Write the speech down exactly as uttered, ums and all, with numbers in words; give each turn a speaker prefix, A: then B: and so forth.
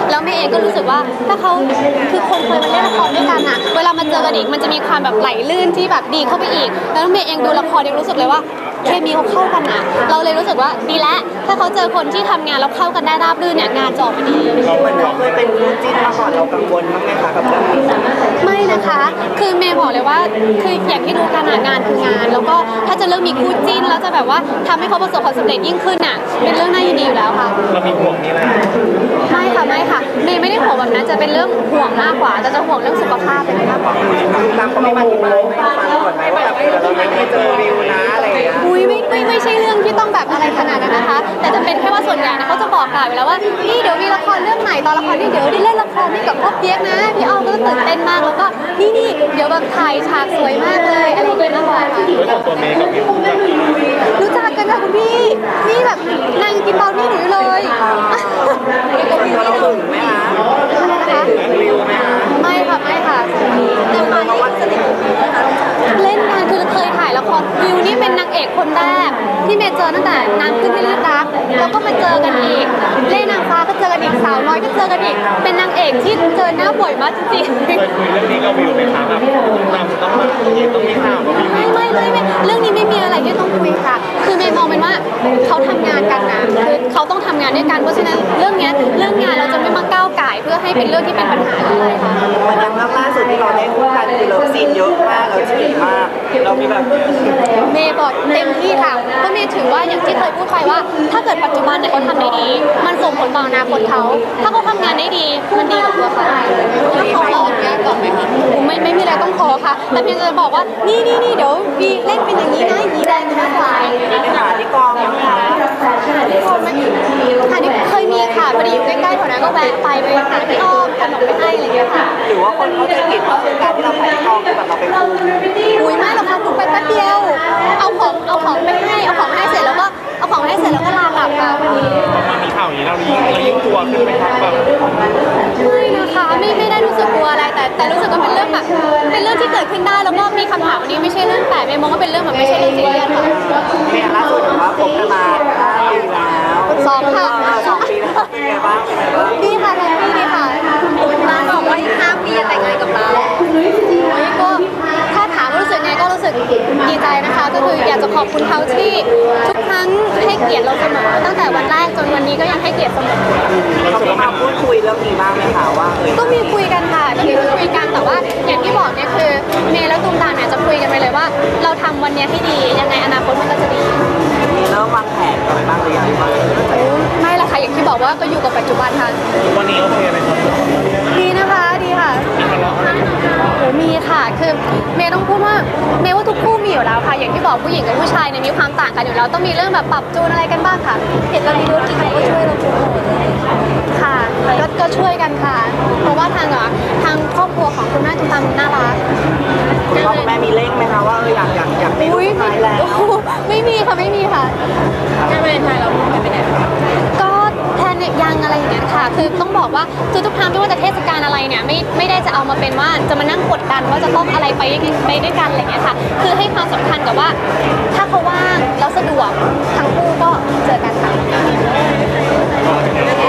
A: แล้วเมย์เองก็รู้สึกว่าถ้าเขาคือคนเคยมาเล่นละครด้วยกันอะเวลามาเจอกันอีกมันจะมีความแบบไหลลื่นที่แบบดีเข้าไปอีกแล้วเมย์เองดูละครยังรู้สึกเลยว่าเคมีเขาเข้ากันนะเราเลยรู้สึกว่าดีแล้วถ้าเขาเจอคนที่ทำงานแล้วเข้ากันได้ราบรื่นเนี่ยงานจะออกมาดี
B: เหมือนเราเคยเป็นคู่จิ้นมาก่อนเรากังวลบ้างไหมคะกับเรื่องนี้
A: ไม่นะคะคือเมย์บอกเลยว่าคืออย่างที่รู้กันงานคืองานแล้วก็ถ้าจะเรื่องมีคู่จิ้นแล้วจะแบบว่าทำให้เขาประสบความสำเร็จยิ่งขึ้นอ่ะเป็นเรื่องน่ายินดีอยู่แล้วค่ะ
C: เรามีห่วงนี่แหละ
A: ไม่ค่ะไม่ค่ะเมย์ไม่ได้ห่วงแบบนั้นจะเป็นเรื่องห่วงมากกว่าจะจะห่วงเรื่องสุขภาพเป็นมากกว่า
B: ตามเขาไม่มาที่บ้านไม่ฟังก่อนไหมว่าแบบเราไม่ได้เจอวิวนะอะไรอย่างเงี้ย
A: อุ้ยไม่ไม่ไม่ใช่เรื่องที่ต้องแบบอะไรขนาดนั้นนะคะแต่จะเป็นแค่ว่าส่วนใหญ่นะเขาจะบอกกล่าวอยู่แล้วว่านี่เดี๋ยวมีละครเรื่องไหนตอนละครนี่เดี๋ยวได้เล่นละครนี่กับพ่อเปี๊ยกนะพี่อ้อมก็ตื่นเต้นมากแล้วก็นี่นี่เดี๋ยวแบบถ่ายฉากสวยมากเลยอะไรอย่างเงี้ยมากกว่าค่ะ
C: ด้วยของตัวเมย์กับวิว
A: รู้จักกันค่ะคุณพี่นี่แบบนางกินเบานี่หนูเลย
B: ก็วิวเราหึงไหมคะวิวไหมคะ
A: ไม่ค่ะไม่ค่ะ
B: เรื่องมาวัดสนิท
A: เล่นงานคือเคยถ่ายละครวิวนี่เป็นนางเอกคนแรกที่เมย์เจอตั้งแต่นางขึ้นที่ลือรักแล้วก็มาเจอกันอีกเล่นนางฟ้าก็เจอกันอีกสาวน้อยก็เจอกันอีกเป็นนางเอกที่เจอหน้าบ่อยมากจริงๆ
C: เคยคุยเรื่องนี้กับวิวไหมคะแบบต้องต้องมาต้องมีข่าวกับวิว
A: ไม่ไม่ไม่ไม่เรื่องนี้ไม่มีอะไรที่ต้องคุยค่ะคือเมย์มองเป็นว่าเขาทำงานกันนะคือเขาต้องทำงานด้วยกันเพราะฉะนั้นเรื่องนี้เรื่องงานเราจะไม่มาก้าวไก่เพื่อให้เป็นเรื่องที่เป็นปัญหาอะไรค่ะ
B: วันยังล่าสุดที่เราได้คู่กันคือเลิฟซีนเยอะมากเราจีบมากเรามีแบบ
A: เมย์บอกเต็มที่ค่ะเพราะเมย์ถือว่าอย่างที่เคยพูดไปว่าถ้าเกิดปัจจุบันเนี่ยเขาทำได้ดีมันส่งผลต่ออนาคตเขาถ้าเขาทำงานได้ดีมันดีกับตัวเขาแล้วเขาขออนุญาตก่อนไหมคะไม่ไม่มีอะไรต้องขอค่ะแต่เพียงจะบอกว่านี่นี่นี่เดี๋ยววีเล่นเป็นอย่างนี้นะอย่างนี้ได้ไหมคะ
B: ไปหาที่กองยังคะ
A: ที่กองไม่ค่ะนี่เคยมีค่ะพอดีอยู่ใกล้ๆแถวนั้นก็แวะไปไปหาพี่อ้อมขนมไปให้อะไรอย่างเงี้ยค่ะ
B: หรือว่าคนเขาจะผิดว่าคือการที่เราไปที่กองคือแบบเราไปคุย
A: อุ้ยไม่หรอกค่ะคุณไปแป๊บเดียวเอาของเอาของไปให้เอาของให้เสร็จแล้วก็เอาของให้เสร็จแล้วก็ลากลับค่ะวันนี้
C: มีข่าวอย่างนี้เรายิ่งเรายิ่งกลัวขึ้นไหมครับแบบ
A: ไม่นะคะไม่ไม่ได้รู้สึกกลัวอะไรแต่แต่รู้สึกว่าเป็นเรื่องแบบเป็นเรื่องที่เกิดขึ้นได้แล้วก็มีคำถามวันนี้ไม่ใช่เรื่องแปลกเมย์มองว่าเป็นเรื่องแบบไม่ใช่เรื่องซีเรียสค่ะ
B: เนี่ยล่าสุดถือว่าคบกันมาห้าปีแล้ว
A: สองค่ะ
B: สองปีแล้วเป็นไงบ้างเป็นไงบ้าง
A: ดีค่ะแฮปปี้ดีค่ะร้านบอกว่าอีกห้าปีจะแต่งงานกับเรานี่ก็ถ้าถามรู้สึกไงก็รู้สึกดีใจนะคะก็คืออยากจะขอบคุณเขาที่ทุกครั้งให้เกียรติเราเสมอตั้งแต่วันแรกจนวันนี้ก็ยังให้เกียรติเสมอ
B: เขามีมาพูดคุยเรื่องนี้บ้างไหมคะว่าเออ
A: ก็มีคุยกันค่ะก็มีคุยกันแต่ว่าอย่างที่บอกเนี่ยคือเมย์และตูมตามเนี่ยจะคุยกันไปเลยว่าเราทำวันนี้ให้ดียังไงอนาคตมันก็จะดี
B: มีเริ่มวางแผนกันไปบ้างหรือยังว่า
A: ไม่ละค่ะอย่างที่บอกว่าก็อยู่กับปัจจุบันค่ะ
C: วันนี้โอเคไหมครับ
A: ดีนะคะดีค่ะ
C: มีทะเลาะอะไร
A: โอ้มีค่ะคือเมย์ต้องพูดว่าเมย์ว่าทุกคู่มีอยู่แล้วค่ะอย่างที่บอกผู้หญิงกับผู้ชายเนี่ยมีความต่างกันอยู่แล้วต้องมีเรื่องแบบปรับจูนอะไรกันบ้างค่ะเห็นเรามีธุรกิจเขาก็ช่วยเราโปรโมทค่ะก็ก็ช่วยกันค่ะเพราะว่าทางอ่ะทางครอบครัวของคุณแม่ทุกท่านน่ารัก
B: คุณพ่อคุณแม่มีเร่งไหมคะว่าเอออยากอยากอยากมีลูกชายแล้ว
A: ไม่มีค่ะไม่มีค่ะ
B: งานวาเลนไทน์เราพูดกันไปไหน
A: ก็แทนเนี่ยยังอะไรอย่างเงี้ยค่ะคือต้องบอกว่าคือทุกครั้งไม่ว่าจะเทศกาลอะไรเนี่ยไม่ไม่ได้จะเอามาเป็นว่าจะมานั่งกดดันว่าจะต้องอะไรไปไปด้วยกันอะไรเงี้ยค่ะคือให้ความสำคัญกับว่าถ้าเขาว่างแล้วสะดวกทั้งคู่ก็เจอกันค่ะ